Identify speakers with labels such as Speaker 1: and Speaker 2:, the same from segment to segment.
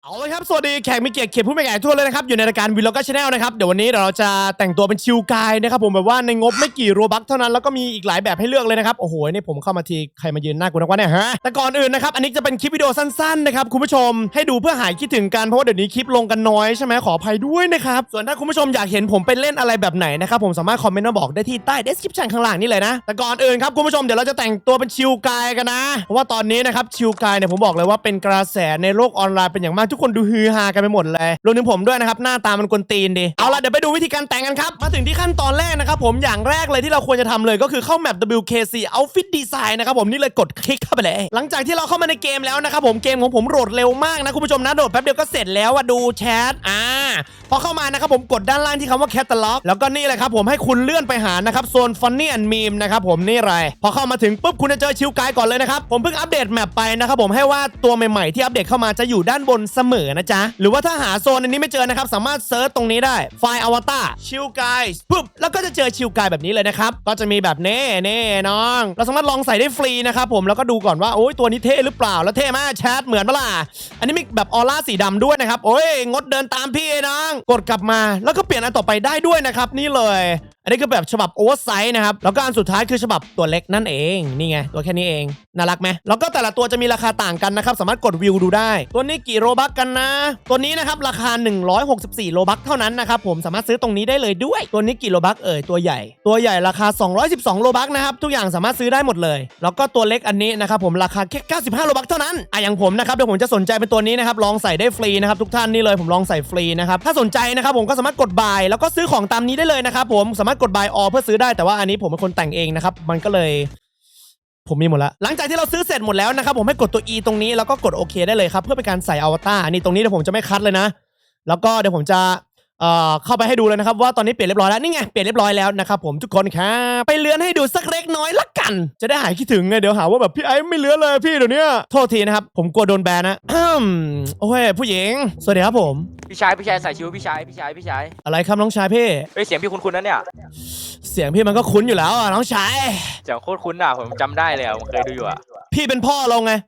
Speaker 1: เอาเลยครับสวัสดีแขกมีเกียรติเขียนผู้มีแก่ทั่วเลยนะครับอยู่ในรายการวีล็อกเกอร์ชาแนลนะครับเดี๋ยววันนี้เราจะแต่งตัวเป็นชิลกายนะครับผมแบบว่าในงบไม่กี่โรบัคเท่านั้นแล้วก็มีอีกหลายแบบให้เลือกเลยนะครับโอ้โหนี่ผมเข้ามาทีใครมายืนหน้ากูนักวะเนี่ยฮะแต่ก่อนอื่นนะครับอันนี้จะเป็นคลิปวิดีโอสั้นๆนะครับคุณผู้ชมให้ดูเพื่อหายคิดถึงกันเพราะว่าเดี๋ยวนี้คลิปลงกันน้อยใช่ไหมขออภัยด้วยนะครับส่วนถ้าคุณผู้ชมอยากเห็นผมไปเล่นอะไรแบบไหนนะครับผมสามารถคอมเมนต์มาบอกได้ที่ใต้ description ข้างล่างนี่เลยนะแต่ก่อนอื่นครับคุณผู้ชมเดี๋ยวเราจะแต่งตัวเป็นชิลกายกันนะเพราะว่าตอนนี้นะครับชิลกายเนี่ยผมบอกเลยว่าเป็นกระแสในโลกออนไลน์เป็นอย่างมากทุกคนดูฮือฮากันไปหมดเลยรวมถึงผมด้วยนะครับหน้าตามันกวนตีนดิเอาล่ะเดี๋ยวไปดูวิธีการแต่งกันครับมาถึงที่ขั้นตอนแรกนะครับผมอย่างแรกเลยที่เราควรจะทำเลยก็คือเข้าแมป WKC Outfit Design นะครับผมนี่เลยกดคลิกเข้าไปเลยหลังจากที่เราเข้ามาในเกมแล้วนะครับผมเกมของผมโหลดเร็วมากนะคุณผู้ชมนะโหลดแป๊บเดียวก็เสร็จแล้วอะดูแชทพอเข้ามานะครับผมกดด้านล่างที่คำว่า Catalog แล้วก็นี่เลยครับผมให้คุณเลื่อนไปหานะครับโซน Funny and Meme นะครับผมนี่เลยพอเข้ามาถึงปุ๊บคุณจะเจอชิลกายก่อนเลยนะครับผมเพิ่งอัปเดตแมปไปนะครับผมให้ว่าตัวใหม่ๆที่อัปเดตเข้ามาจะอยู่ด้านบนเสมอนะจ๊ะหรือว่าถ้าหาโซนอันนี้ไม่เจอนะครับสามารถเซิร์ชตรงนี้ได้ไฟล์อวตารชิลกายปุ๊บแล้วก็จะเจอชิลกายแบบนี้เลยนะครับก็จะมีแบบนี้น้องเราสามารถลองใส่ได้ฟรีนะครับผมแล้วก็ดูก่อนว่าโอ้ยตัวนี้เท่หรือเปล่าแล้วเท่มากแชทเหมือนปะล่ะอันนี้มีแบบออร่าสีดำด้วยนะครับโอ้ยงดเดินตามพี่น้องกดกลับมาแล้วก็เปลี่ยนอันต่อไปได้ด้วยนะครับนี่เลยอันนี้คือแบบฉบับโอเวอร์ไซส์นะครับแล้วก็อันสุดท้ายคือฉบับตัวเล็กนั่นเองนี่ไงตัวแค่นี้เองน่ารักไหมแล้วก็แต่ละตัวจะมีราคาต่างกันนะครับสามารถกดวิวดูได้ตัวนี้กี่โรบัคกันนะตัวนี้นะครับราคา164โรบัคเท่านั้นนะครับผมสามารถซื้อตรงนี้ได้เลยด้วยตัวนี้กี่โรบัคตัวใหญ่ราคา212โรบัคนะครับทุกอย่างสามารถซื้อได้หมดเลยแล้วก็ตัวเล็กอันนี้นะครับผมราคาแค่95โรบัคเท่านั้นอย่างผมนะครับเดี๋ยวผมจะสนใจเป็นตัวนี้นะครับลองใส่ได้ฟรีนะครับทุกท่านนี่เลยผมลองใส่ฟรีนะครับถ้าสนใจนะครับผมก็สามารถกดบายแล้วก็ซื้อของตามนี้ได้เลยนะครับผมสามารถกดบายออเพื่อซื้อได้แต่ว่าอันนี้ผมเป็นคนแต่งเองนะครับมันก็เลยผมมีหมดแล้วหลังจากที่เราซื้อเสร็จหมดแล้วนะครับผมให้กดตัว E ตรงนี้แล้วก็กดโอเคได้เลยครับเพื่อเป็นการใส่อวตารนี่ตรงนี้เดี๋ยวผมจะไม่คัดเลยนะแล้วก็เดี๋ยวผมจะเข้าไปให้ดูเลยนะครับว่าตอนนี้เปลี่ยนเรียบร้อยแล้วนี่ไงเปลี่ยนเรียบร้อยแล้วนะครับผมทุกคนครับไปเลื่อนให้ดูสักเล็กน้อยละกันจะได้หายคิดถึงไงเดี๋ยวหาว่าแบบพี่ไอ้ไม่เลื่อนเลยพี่เดี๋ยวนี้โทษทีนะครับผมกลัวโดนแบนนะโอ้ยผู้หญิงสวัสดีครับผม
Speaker 2: พี่ชายใส่ชิวพี่ชาย
Speaker 1: อะไรครับน้องชายพี่
Speaker 2: เสียงพี่คุ้นๆนะเนี่ย
Speaker 1: เสียงพี่มันก็คุ้นอยู่แล้วอ่ะน้องชาย
Speaker 2: เสียงโคตรคุ้นอ่ะผมจำได้เลยอ่ะผมเคยดูอยู่อ่ะ
Speaker 1: พี่เป็นพ่อเราไง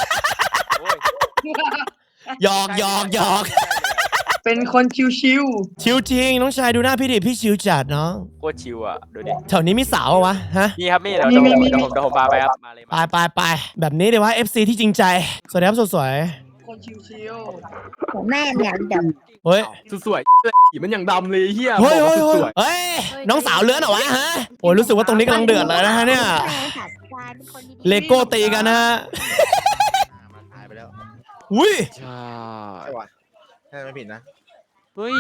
Speaker 1: หยอก
Speaker 3: เป็นคนชิว
Speaker 1: ชิวจริงน้องชายดูหน้าพี่ดิพี่ชิวจัดน้อง
Speaker 2: โคตรชิวอ่ะดูดิ
Speaker 1: แถวนี้มีสาววะฮะ
Speaker 2: นี่ครับนี่เดี๋ยวผมพาไปครับมาเลย
Speaker 1: ไปแบบนี้เดี๋ยวว่า FC ที่จริงใจสวัสดีครับสวย
Speaker 3: ๆคนชิว
Speaker 4: ผมแม่เนี่ยด
Speaker 1: ๆเฮ้ย
Speaker 5: สวยๆมันยังดำเลยเฮีย
Speaker 1: เฮ้ยน้องสาวเลื้อนเหรอวะฮะโอ้ยรู้สึกว่าตรงนี้กำลังเดือดเลยนะฮะเนี่ยเลโก้ตีกันนะฮะ
Speaker 6: หายไปแล้ว
Speaker 1: อุ้ย
Speaker 5: ใช่
Speaker 6: ว่ะถ้าไม่ผิดนะ
Speaker 5: เฮ้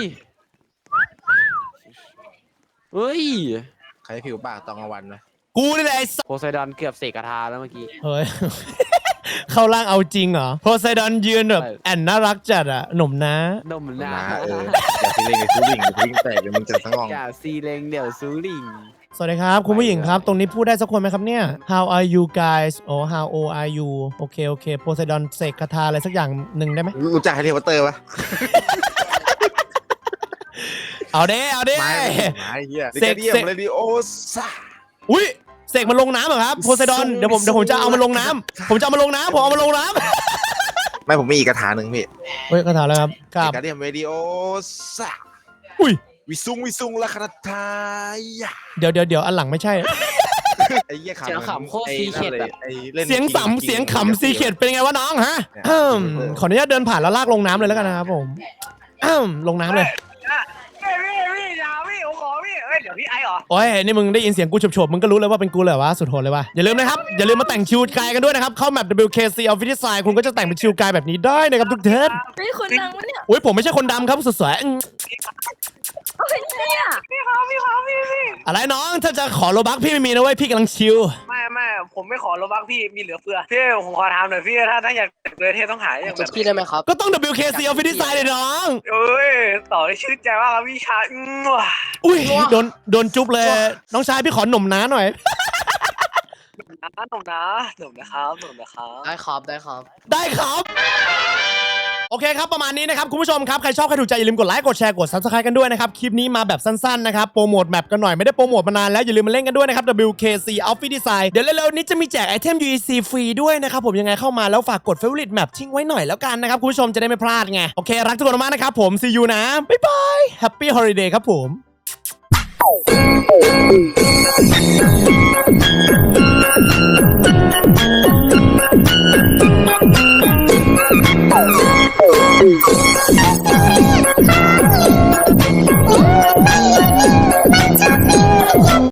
Speaker 5: ย
Speaker 6: ใครผิวปากตอนกลางวันนะ
Speaker 1: กูนี่แหละไอ้
Speaker 5: โพไซดอนเกือบเสกคาถาแล้วเมื่อกี้
Speaker 1: เฮ้ยเข้าร่างเอาจริงเหรอโพไซดอนยืนแบบแอนน่ารักจัดอะหนุ่มนะ
Speaker 5: นมนะ
Speaker 6: อย่าซีเลงซูลิงซูลิงแตกเดี๋ยวมึงจะสงอง
Speaker 5: อย่าซีเลงเดี๋ยวซูลิง
Speaker 1: สวัสดีครับคุณผู้หญิงครับตรงนี้พูดได้สักคนไหมครับเนี่ย How are you guys How old are you โอเคโพไซดอนเสกคาถาอะไรสักอย่างหนึ่งได้ไหม
Speaker 6: รู้จักแฮร์รี่พอตเตอร์ปะ
Speaker 1: เอาเด้
Speaker 6: ไม่เฮียเสกเรดิโอซ่า
Speaker 1: อุ้ยเสกมันลงน้ำเหรอครับโพไซดอนเดี๋ยวผมจะเอามันลงน้ำผมเอามันลงน้ำ
Speaker 6: ไม่ผมมีอีกคาถาหนึ่งพี่
Speaker 1: เฮ้ยคาถาแล้วครับ
Speaker 6: เรดิโอซ่า
Speaker 1: อุ้ย
Speaker 6: วิซุงละคาถา
Speaker 1: เดี๋ยวอันหลังไม่ใช่
Speaker 6: ไอ้เหี้ย
Speaker 5: เสียงขำโคตรซีเค็ด
Speaker 1: เสียงขำซีเค็ดเป็นไงวะน้องฮะขออนุญาตเดินผ่านแล้วลากลงน้ำเลยแล้วกันนะครับผมลงน้ำเลย
Speaker 3: เดี๋ยวพี่ไอ้เหรอ
Speaker 1: โอ้ยนี่มึงได้ยินเสียงกูโฉบมึงก็รู้เลยว่าเป็นกูเลยวะสุดโหดเลยวะอย่าลืมนะครับอย่าลืมมาแต่งชิลกายกันด้วยนะครับเข้าแมป WKC Outfit Design คุณก็จะแต่งเป็นชิลกายแบบนี้ได้นะครับทุกท่าน
Speaker 4: ำนี่คนดังวะเนี่ย
Speaker 1: โอ้ยผมไม่ใช่คนดำครับสวย
Speaker 4: เนี่ย
Speaker 3: พี่
Speaker 1: อะไรน้องถ้าจะขอโลบัคพี่ไม่มีนะเว้ยพี่กำลังชิล
Speaker 3: ไม่ผมไม่ขอโลบักพี่มีเหลือเฟือพี่ผมขอถามหน่อยพี่ถ้าอยากเลยเทต้องหาอย่างแบบ
Speaker 5: พี่ได้ไหมครับ
Speaker 1: ก็ต้อง WKC Outfit Design เลยน้อง
Speaker 3: เอ้ยต่อได้ชื่นใจว่าพี่ชาย
Speaker 1: อุ้ยโดนจุ๊บเลยน้องชายพี่ขอหนุ่มน้าหน่อย
Speaker 3: หนุ่มนะครับ
Speaker 5: ได้ครับ
Speaker 1: ได้ครับโอเคครับประมาณนี้นะครับคุณผู้ชมครับใครชอบใครถูกใจอย่าลืมกดไลค์กดแชร์กด Subscribe กันด้วยนะครับคลิปนี้มาแบบสั้นๆนะครับโปรโมทแมปกันหน่อยไม่ได้โปรโมทมานานแล้วอย่าลืมมาเล่นกันด้วยนะครับ WKC Outfit Design เดี๋ยวเร็วๆนี้จะมีแจกไอเทม UEC ฟรีด้วยนะครับผมยังไงเข้ามาแล้วฝากกด Favorite Map ทิ้งไว้หน่อยแล้วกันนะครับคุณผู้ชมจะได้ไม่พลาดไงโอเครักทุกคนมากนะครับผม See you นะบ๊ายบาย Happy Holiday ครับผม